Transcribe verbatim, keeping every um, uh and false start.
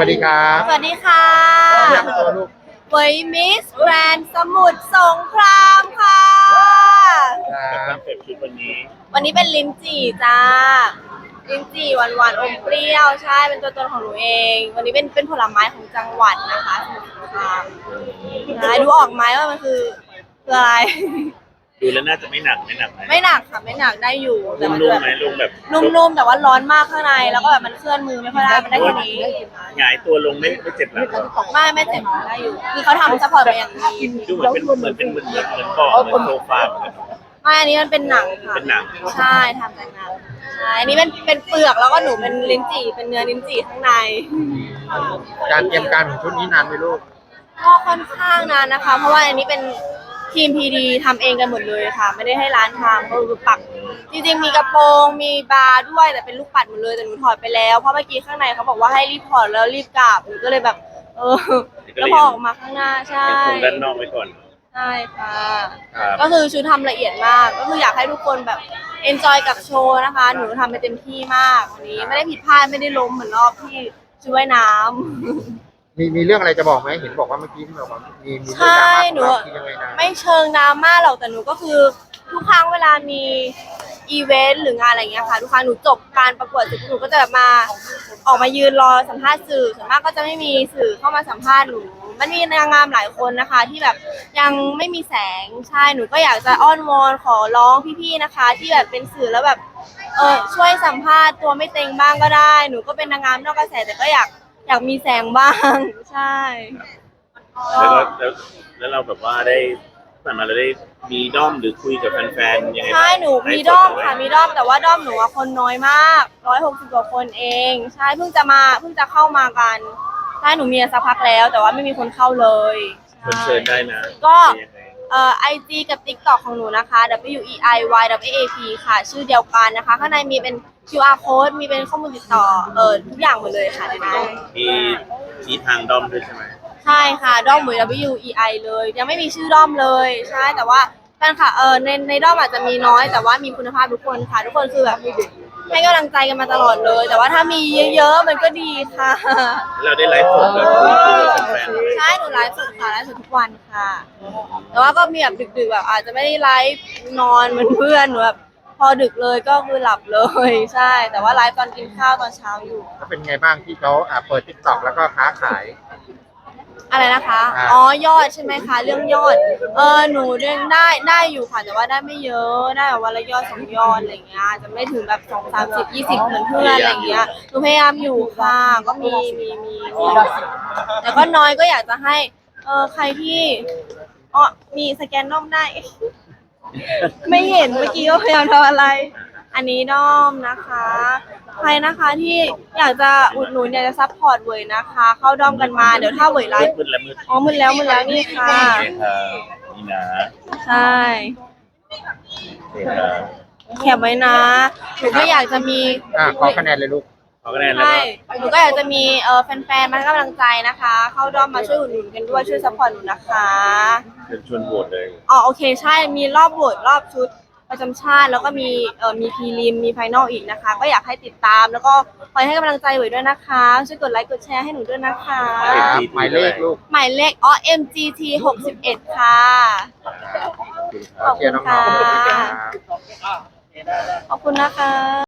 วัสดีครับสวัสดีค่ะแนะนำตัวลูกเวยมิสแกรนด์สมุทรสงครามค่ะครัคอบ นเซ็ปต์ชุดวันนี้วันนี้เป็นลิ้นจี่จ้าลิ้นจี่หวานหวานอมเปรี้ยวใช่เป็นตัวตนของหนูเอง วันนี้เป็นเป็นผลไม้ของจังหวัดนะคะสมุทรสงครามนะดูออกไหมว่ามันคือคืออะไรดูแล้วน่าจะไม่หนักไม่หนักไหมไม่หนักค่ะไม่หนักได้อยู่แต่มันนุ่มแบบๆไหมลุงแบบนุ่มๆแต่ว่าร้อนมากข้างในแล้วก็แบบมันเคลื่อนมือไม่ค่อยได้มันได้แค่นี้หงายตัวลงไม่ไม่เจ็บหลังไม่ไม่เจ็บได้อยู่คือเขาทำซัพพอร์ตมาอย่างดีดูเหมือนเป็นเหมือนเป็นเหมือนเหมือนเหมือนเบาะเหมือนโซฟาเหมือนกันไม่อันนี้มันเป็นหนังค่ะเป็นหนังใช่ทำจากหนังใช่อันนี้เป็นเป็นเปลือกแล้วก็หนูเป็นลิ้นจี่เป็นเนื้อลิ้นจี่ข้างในการเตรียมการของชุดนี้นานไหมลูกก็ค่อนข้างนานนะคะ เพราะว่าอันนี้เป็นทีมพีดีทำเองกันหมดเลยค่ะ ไม่ได้ให้ร้านทำก็คือปักจริงๆมีกระโปรงมีบาร์ด้วยแต่เป็นลูกปัดหมดเลยแต่หนูถอดไปแล้วเพราะเมื่อกี้ข้างในเขาบอกว่าให้รีบถอดแล้วรีบกลับหนูก็เลยแบบเออแล้วพอออกมาข้างหน้าใช่ยังคงด้านนอกไว้ก่อนใช่ค่ะครับก็คือชุดทำละเอียดมาก ก็คืออยากให้ทุกคนแบบเอนจอยกับโชว์นะคะ หนูทำไปเต็มที่มากวันนี้ไม่ได้ผิดพลาดไม่ได้ล้มเหมือนรอบที่ชุดว่ายน้ำมีมีเรื่องอะไรจะบอกไหมเห็นบอกว่าเมื่อกี้ที่บอกว่ามีมีเรื่องใช่ดราม่าห นูของเราที่ยังไงนะไม่เชิงดราม่าหรอกแต่หนูก็คือทุกครั้งเวลามีอีเวนต์หรืองานอะไรเงี้ยค่ะทุกครั้งหนูจบการประกวดเสร็จหนูก็จะแบบมาออกมายืนรอสัมภาษณ์สื่อส่วนมากก็จะไม่มีสื่อเข้ามาสัมภาษณ์หนูมันมีนางงามหลายคนนะคะ ที่แบบยังไม่มีแสงใช่หนูก็อยากจะอ้อนวอนขอร้องพี่ๆนะคะ ที่แบบเป็นสื่อแล้วแบบเออช่วยสัมภาษณ์ตัวไม่เต็งบ้างก็ได้หนูก็เป็นนางงามนอกกระแสแต่ก็อยากอยากมีแสงบ้างใช่แล้วก็แล้วแล้วเราแบบว่าได้ผ่านมาเราได้มีด้อมหรือคุยกับแฟนๆยังไงบ้างใช่หนูมีด้อมค่ะมีด้อมแต่ว่าด้อมหนูอะคนน้อยมากร้อยหกสิบกว่าคนเองใช่เพิ่งจะมาเพิ่งจะเข้ามากันใช่หนูมีสักพักแล้ว แต่ว่าไม่มีคนเข้าเลยใช่เชิญได้นะก็เป็นยังไงเอ่อไอจีกับ TikTok ของหนูนะคะ W E I Y W A P ค่ะ ชื่อเดียวกันนะคะ ข้างในมีเป็น คิว อาร์ code มีเป็นข้อมูลติดต่อเออทุกอย่างหมดเลยค่ะในนั้นมีชี้ทางด้อมด้วยใช่ไหมใช่ค่ะด้อมหมวย W E I เลย ยังไม่มีชื่อด้อมเลยใช่แต่ว่าแฟนค่ะเออในในด้อมอาจจะมีน้อยแต่ว่ามีคุณภาพทุกคนค่ะ ทุกคนคือแบบให้กำลังใจกันมาตลอดเลย แต่ว่าถ้ามีเยอะๆมันก็ดีค่ะเราได้ไลฟ์สดแบบคุยคุยกับแฟนๆด้วยใช่หนูไลฟ์สดค่ะไลฟ์สดทุกวันค่ะ แต่ว่าก็มีแบบดึกๆแบบอาจจะไม่ได้ไลฟ์นอนเหมือนเพื่อนหนูแบบพอดึกเลยก็คือหลับเลยใช่ แต่ว่าไลฟ์ตอนกินข้าวตอนเช้าอยู่ก็เป็นไงบ้างที่เขาอ่าเปิดทิกตอกแล้วก็ค้าขายอะไรนะคะอ่าอ๋อยอดใช่ไหมคะ เรื่องยอด เออ หนูเรื่องได้ได้อยู่ค่ะ แต่ว่าได้ไม่เยอะ ได้แบบวันละยอดสองยอดอะไรเงี้ย จะไม่ถึงแบบสองสามสิบยี่สิบเหมือนเพื่อนอะไรเงี้ย หนูพยายามอยู่ค่ะ ก็มีมีมีมีแต่ก็น้อยก็อยากจะให้ เออใครที่อ๋อมีสแกนด้อมได้ ไม่เห็นเมื่อกี้ก็พยายามทำอะไร อันนี้ด้อมนะคะ ใครนะคะที่อยากจะอุดหนุนอยากจะซัพพอร์ตเวยนะคะ เข้าด้อมกันมา เดี๋ยวถ้าเวยไลฟ์มืดแล้วมืดอ๋อมึนแล้วมึนแล้วนี่ค่ะโอเคครับนี่นะใช่โอเคครับแคปไว้นะหนูก็อยากจะมีอ่าขอคะแนนเลยลูกขอคะแนนแล้วใช่ก็หนูก็อยากจะมีเออแฟนๆมาให้กำลังใจนะคะ เข้าด้อมมาช่วยอุดหนุนกันด้วยช่วยซัพพอร์ตหนูนะคะเชิญชวนโหวตเลยอ๋อโอเคใช่ มีรอบโหวตรอบชุดประจำชาติ แล้วก็มีเอ่อมีพรีลิมมีไฟนอลอีกนะคะ ก็อยากให้ติดตามแล้วก็คอยให้กำลังใจไว้ด้วยนะคะช่วยกดไลค์กดแชร์ให้หนูด้วยนะคะครับหมายเลขลูกหมายเลขอ๋อ เอ็ม จี ที หกสิบเอ็ดค่ะ ขอบเชีคุยณร์น้องๆขอบคุณค่ะครับขอบคุณนะคะ